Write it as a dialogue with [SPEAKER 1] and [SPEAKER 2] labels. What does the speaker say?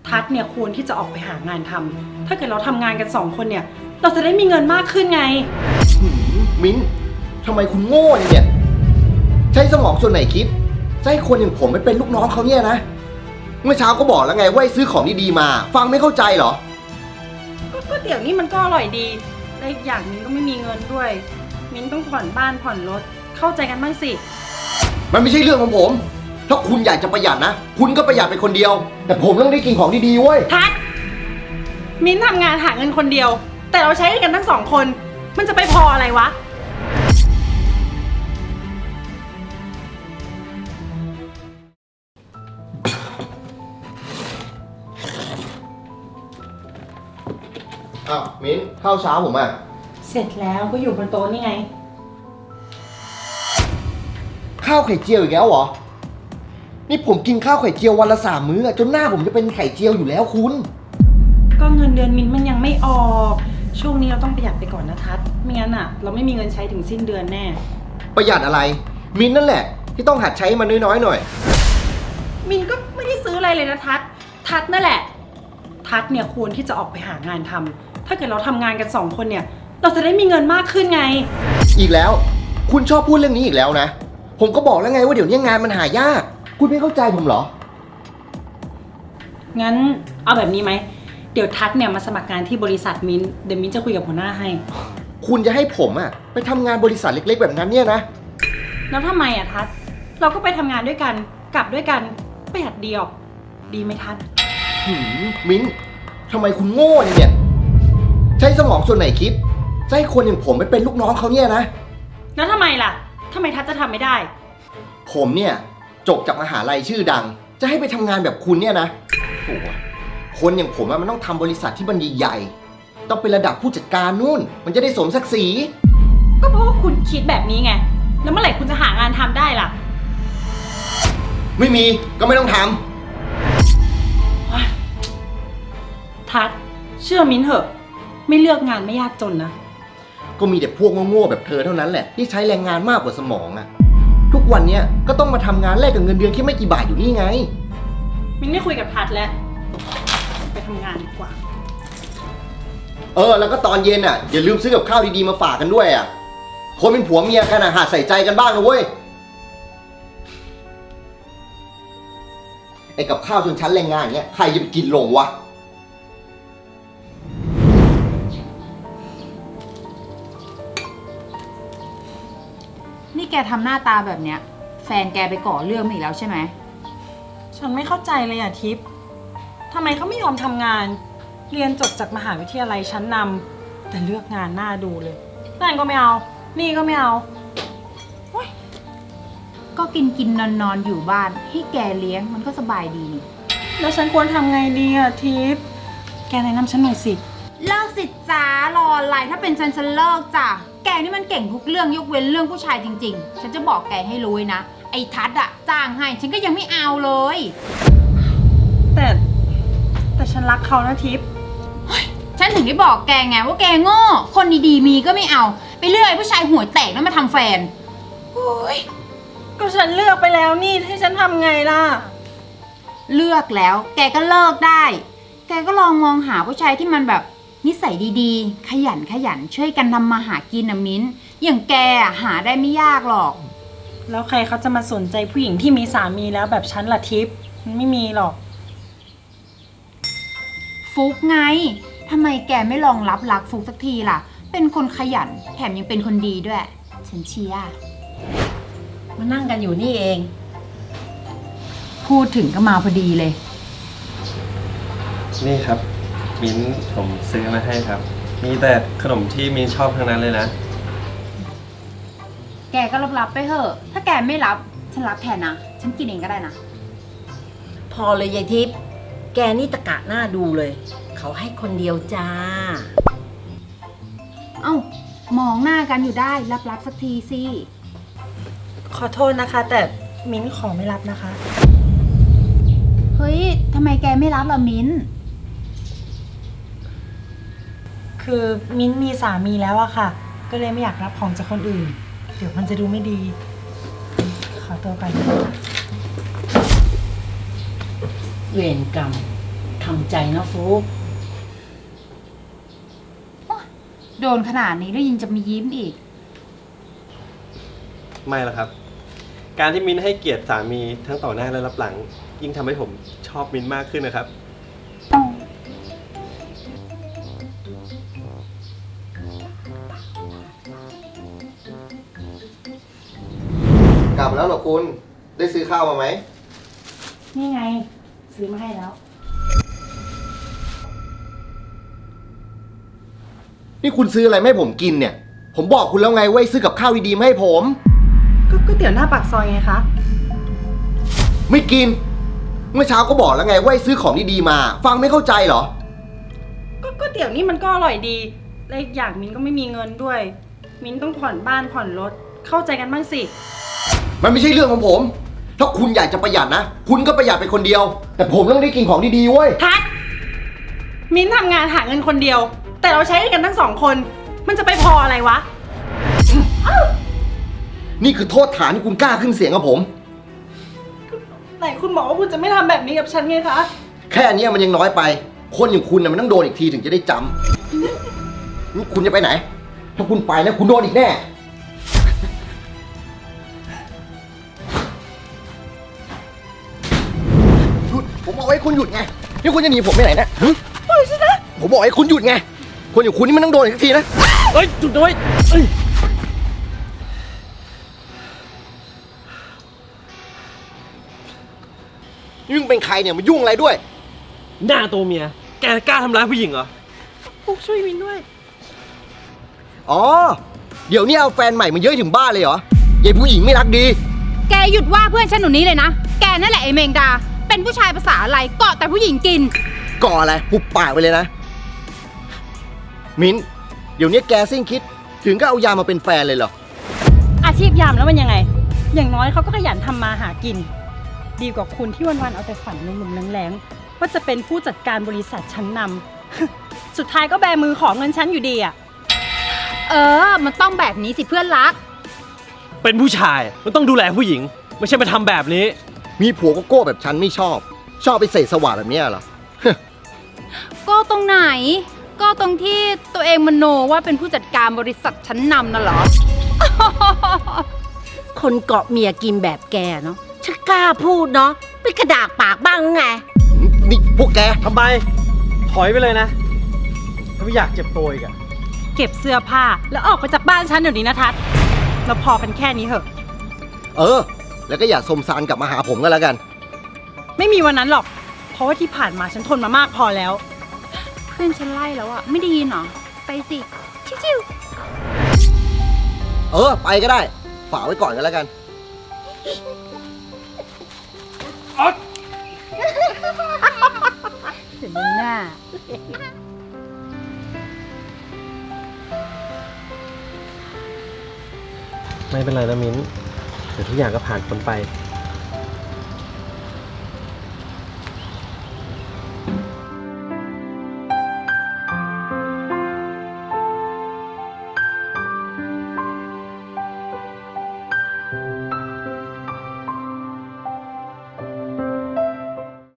[SPEAKER 1] ทัศน์เนี่ยควรที่จะออกไปหางานทำถ้าเกิดเราทำงานกัน2 คนเนี่ยเราจะได้มีเงินมากขึ้นไง
[SPEAKER 2] มิ้นทำไมคุณโง่เนี่ยใช้สมองส่วนไหนคิดจะให้คนอย่างผมไปเป็นลูกน้องเขาเนี่ยนะเมื่อเช้าก็บอกแล้วไงว่าให้ซื้อของดีๆมาฟังไม่เข้าใจเหรอ
[SPEAKER 1] ก็เดี๋ยวนี้มันก็อร่อยดีและอีกอย่างมิ้นก็ไม่มีเงินด้วยมิ้นต้องผ่อนบ้านผ่อนรถเข้าใจกันบ้างสิ
[SPEAKER 2] มันไม่ใช่เรื่องของผมถ้าคุณอยากจะประหยัดนะคุณก็ประหยัดไปคนเดียวแต่ผมต้องได้กินของดีๆเว้ย
[SPEAKER 1] ทัศน์มิ้นทำงานหาเงินคนเดียวแต่เราใช้กันทั้ง2 คนมันจะไปพออะไรวะ
[SPEAKER 2] อ้าวมิ้นข้าวเช้าผมอ่ะ
[SPEAKER 1] เสร็จแล้วก็อยู่บนโต๊ะนี่ไง
[SPEAKER 2] ข้าวไข่เจียวอีกแล้วเหรอนี่ผมกินข้าวไข่เจียววันละ3 มื้อจนหน้าผมจะเป็นไข่เจียวอยู่แล้วคุณ
[SPEAKER 1] ก็เงินเดือนมิ้นมันยังไม่ออกช่วงนี้เราต้องประหยัดไปก่อนนะทัศน์ไม่งั้นอ่ะเราไม่มีเงินใช้ถึงสิ้นเดือนแน่
[SPEAKER 2] ประหยัดอะไรมิ้นนั่นแหละที่ต้องหัดใช้มันน้อยๆหน่อย
[SPEAKER 1] มิ้นก็ไม่ได้ซื้ออะไรเลยนะทัศน์นั่นแหละทัศน์เนี่ยควรที่จะออกไปหางานทำถ้าเกิดเราทำงานกัน2 คนเนี่ยเราจะได้มีเงินมากขึ้นไง
[SPEAKER 2] อีกแล้วคุณชอบพูดเรื่องนี้อีกแล้วนะผมก็บอกแล้วไงว่าเดี๋ยวนี้งานมันหายากคุณไม่เข้าใจผมเหรอ
[SPEAKER 1] งั้นเอาแบบนี้ไหมเดี๋ยวทัศน์เนี่ยมาสมัครงานที่บริษัทมิ้นเดี๋ยวมิ้นจะคุยกับหัวหน้าให้
[SPEAKER 2] คุณจะให้ผมอะไปทำงานบริษัทเล็กๆแบบนั้นเนี่ยนะ
[SPEAKER 1] แล้วทำไมอะทัศน์เราก็ไปทำงานด้วยกันกลับด้วยกันประหยัดดีออกดีไหมทัศน์
[SPEAKER 2] มิ้นทำไมคุณโง่เนี่ยใช้สมองส่วนไหนคิดจะให้คนอย่างผมไปเป็นลูกน้องเขาเนี่ยนะ
[SPEAKER 1] แล้วทำไมล่ะทำไมทัศน์จะทำไม่ได้
[SPEAKER 2] ผมเนี่ยจบจากมหาลัยชื่อดังจะให้ไปทำงานแบบคุณเนี่ยนะโอ้โหคนอย่างผมมันต้องทำบริษัทที่มันใหญ่ๆต้องเป็นระดับผู้จัดการนู่นมันจะได้สมศักดิ์ศรี
[SPEAKER 1] ก็เพราะว่าคุณคิดแบบนี้ไงแล้วเมื่อไหร่คุณจะหางานทำได้ล่ะ
[SPEAKER 2] ไม่มีก็ไม่ต้องทำ
[SPEAKER 1] ทัศน์เชื่อมิ้นเถอะไม่เลือกงานไม่ยากจนนะ
[SPEAKER 2] ก็มีแต่พวกโง่ๆแบบเธอเท่านั้นแหละที่ใช้แรงงานมากกว่าสมองอะทุกวันเนี้ยก็ต้องมาทำงานแลกกับเงินเดือนแค่ไม่กี่บาทอยู่นี่ไง
[SPEAKER 1] มิ้นไม่คุยกับทัศน์แล้วไปทำงานดีกว่า
[SPEAKER 2] แล้วก็ตอนเย็นอ่ะอย่าลืมซื้อกับข้าวดีๆมาฝากกันด้วยอ่ะคนเป็นผัวเมียกันอ่ะหัดใส่ใจกันบ้างนะเว้ยไอ้กับข้าวชนชั้นแรงงานอย่างเงี้ยใครจะไปกินลงวะ
[SPEAKER 3] นี่แกทำหน้าตาแบบเนี้ยแฟนแกไปก่อเรื่องมาอีกแล้วใช่ไหม
[SPEAKER 1] ฉันไม่เข้าใจเลยอ่ะทิพย์ทำไมเขาไม่ยอมทำงานเรียนจบจากมหาวิทยาลัยชั้นนำแต่เลือกงานหน้าดูเลยนั่นก็ไม่เอานี่ก็ไม่เอา
[SPEAKER 3] ก็กินนอนอยู่บ้านให้แกเลี้ยงมันก็สบายดีนี่
[SPEAKER 1] แล้วฉันควรทำไงดีอ่ะทิพย์แกแนะนำฉันหน่อยสิ
[SPEAKER 3] เลิกสิจ้ารออะไรถ้าเป็นฉันเลิกจ้ะแกนี่มันเก่งทุกเรื่องยกเว้นเรื่องผู้ชายจริงๆฉันจะบอกแกให้รู้นะไอ้ทัศน์อะจ้างให้ฉันก็ยังไม่เอาเลย
[SPEAKER 1] แต่ฉันรักเขานะทิพย์
[SPEAKER 3] ฉันถึงได้บอกแกไงว่าแกโง่คนดีๆมีก็ไม่เอาไปเลือกไอ้ผู้ชายหัวแตกแล้วมาทำแฟน
[SPEAKER 1] โอ้ยก็ฉันเลือกไปแล้วนี่ให้ฉันทำไงล่ะ
[SPEAKER 3] เลือกแล้วแกก็เลิกได้แกก็ลองมองหาผู้ชายที่มันแบบนิสัยดีๆขยันช่วยกันทำมาหากินนะมิ้นอย่างแกหาได้ไม่ยากหรอก
[SPEAKER 1] แล้วใครเขาจะมาสนใจผู้หญิงที่มีสามีแล้วแบบฉันล่ะทิพย์มันไม่มีหรอก
[SPEAKER 3] ฟุกไงทำไมแกไม่ลองรับรักฟุกสักทีล่ะเป็นคนขยันแถมยังเป็นคนดีด้วยฉันเชียร์
[SPEAKER 1] มานั่งกันอยู่นี่เอง
[SPEAKER 3] พูดถึงก็มาพอดีเลย
[SPEAKER 4] นี่ครับมิ้นผมซื้อมาให้ครับมีแต่ขนมที่มิ้นชอบทั้งนั้นเลยนะ
[SPEAKER 3] แกก็รับไปเถอะถ้าแกไม่รับฉันรับแทนนะฉันกินเองก็ได้นะ
[SPEAKER 5] พอเลยยายทิพย์แกนี่ตะกะหน้าดูเลยเขาให้คนเดียวจ้า
[SPEAKER 3] เอ้ามองหน้ากันอยู่ได้รับสักทีสิ
[SPEAKER 1] ขอโทษนะคะแต่มิ้นขอไม่รับนะคะ
[SPEAKER 3] เฮ้ยทำไมแกไม่รับล่ะมิ้น
[SPEAKER 1] คือมิ้นมีสามีแล้วอะค่ะก็เลยไม่อยากรับของจากคนอื่นเดี๋ยวมันจะดูไม่ดีขอตัวก่อน
[SPEAKER 5] เวรกรรมททำใจนะฟุก
[SPEAKER 3] โดนขนาดนี้แล้วยังจะมียิ้มอีก
[SPEAKER 4] ไม่ละครับ การที่มิ้นให้เกียรติสามีทั้งต่อหน้าและรับหลัง ยิ่งทำให้ผมชอบมิ้นมากขึ้นนะครับ
[SPEAKER 2] กลับมาแล้วเหรอคุณ ได้ซื้อข้าวมาไหม
[SPEAKER 1] นี่ไง ซื้อมาให้แล้ว
[SPEAKER 2] นี่คุณซื้ออะไรมาให้ผมกินเนี่ย ผมบอกคุณแล้วไงว่าให้ซื้อกับข้าวดีๆมาให้ผม
[SPEAKER 1] ก็ก๋วยเตี๋ยวหน้าปากซอยไงคะ
[SPEAKER 2] ไม่กิน เมื่อเช้าก็บอกแล้วไงว่าให้ซื้อของดีๆมา ฟังไม่เข้าใจเหรอ
[SPEAKER 1] ก็ก๋วยเตี๋ยวนี่มันก็อร่อยดี และอีกอย่างมิ้นก็ไม่มีเงินด้วย มิ้นต้องผ่อนบ้านผ่อนรถ เข้าใจกันบ้างสิ
[SPEAKER 2] มันไม่ใช่เรื่องของผม ถ้าคุณอยากจะประหยัดนะ คุณก็ประหยัดไปคนเดียว แต่ผมต้องได้กินของดีๆเว้ย
[SPEAKER 1] ทัดมิ้นทำงานหาเงินคนเดียว แต่เราใช้กันทั้งสองคน มันจะไปพออะไรวะ
[SPEAKER 2] นี่คือโทษฐานที่คุณกล้าขึ้นเสียงกับผม
[SPEAKER 1] ไหนคุณบอกว่าคุณจะไม่ทำแบบนี้กับฉันไงคะ
[SPEAKER 2] แค่เนี้ยมันยังน้อยไป คนอย่างคุณน่ะมันต้องโดนอีกทีถึงจะได้จำนี่คุณจะไปไหน ถ้าคุณไปนะคุณโดนอีกแน่ หยุด ผมบอกให้คุณหยุดไง นี่คุณจะหนีผมไปไหนเนะปล่อยฉันนะ ผมบอกให้คุณหยุดไง คนอย่างคุณนี่มันต้องโดนอีกทีนะ
[SPEAKER 4] เฮ้ย จุดด้วยเอ้ย
[SPEAKER 2] นี่มึงเป็นใครเนี่ยมายุ่งอะไรด้วย
[SPEAKER 4] หน้าตัวเมีย แกกล้าทำร้ายผู้หญิงเหรอ
[SPEAKER 1] ฟุกช่วยมิ้นด้วย
[SPEAKER 2] อ๋อ เดี๋ยวนี้เอาแฟนใหม่มาเย้ยถึงบ้านเลยเหรอยายผู้หญิงไม่รักดี
[SPEAKER 3] แกหยุดว่าเพื่อนฉันหนูนี้เลยนะ แกนั่นแหละไอ้เมงดา เป็นผู้ชายภาษาอะไรเกาะแต่ผู้หญิงกิน
[SPEAKER 2] ก่ออะไรหุบปากไปเลยนะ มิ้น เดี๋ยวนี้แกสิ้นคิด ถึงก็เอายามาเป็นแฟนเลยเหรอ
[SPEAKER 1] อาชีพยามแล้วมันยังไง อย่างน้อยเขาก็ขยันทำมาหากิน ดีกว่าคุณที่วันๆเอาแต่ฝันหนุ่มๆแรงๆว่าจะเป็นผู้จัดการบริษัทชั้นนำ สุดท้ายก็แบมือขอเงินฉันอยู่ดีอ่ะ
[SPEAKER 3] เออ มันต้องแบบนี้สิเพื่อนรัก
[SPEAKER 4] เป็นผู้ชายมันต้องดูแลผู้หญิง ไม่ใช่มาทำแบบนี้
[SPEAKER 2] มีผัวก็โก้แบบฉันไม่ชอบ ชอบไปเสษสวะแบบเนี้ยเหรอ
[SPEAKER 3] ก็ตรงไหน ก็ตรงที่ตัวเองมโนว่าเป็นผู้จัดการบริษัทชั้นนำน่ะเหรอ
[SPEAKER 5] คนเกาะเมียกินแบบแกเนาะฉันกล้าพูดเนาะเป็นกระดากปากบ้างหรือไง
[SPEAKER 2] นี่พวกแก
[SPEAKER 4] ทำไม ถอยไปเลยนะ ถ้าไม่อยากเจ็บตัวอีกอะ
[SPEAKER 1] เก็บเสื้อผ้าแล้วออกไปจากบ้านฉันเดี๋ยวนี้นะทัศน์เราพอกันแค่นี้เถอะ
[SPEAKER 2] เออ แล้วก็อย่าสมสารกลับมาหาผมก็แล้วกัน
[SPEAKER 1] ไม่มีวันนั้นหรอก เพราะว่าที่ผ่านมาฉันทนมามากพอแล้ว
[SPEAKER 3] เพื่อนฉันไล่แล้วอะไม่ได้ยินเหรอ ไปสิ ชิว
[SPEAKER 2] เออ ไปก็ได้ ฝากไว้ก่อนก็แล้วกัน
[SPEAKER 3] ๆถึงหน้า
[SPEAKER 4] ไม่เป็นไรนะมิ้น เดี๋ยวทุกอย่างก็ผ่านพ้นไป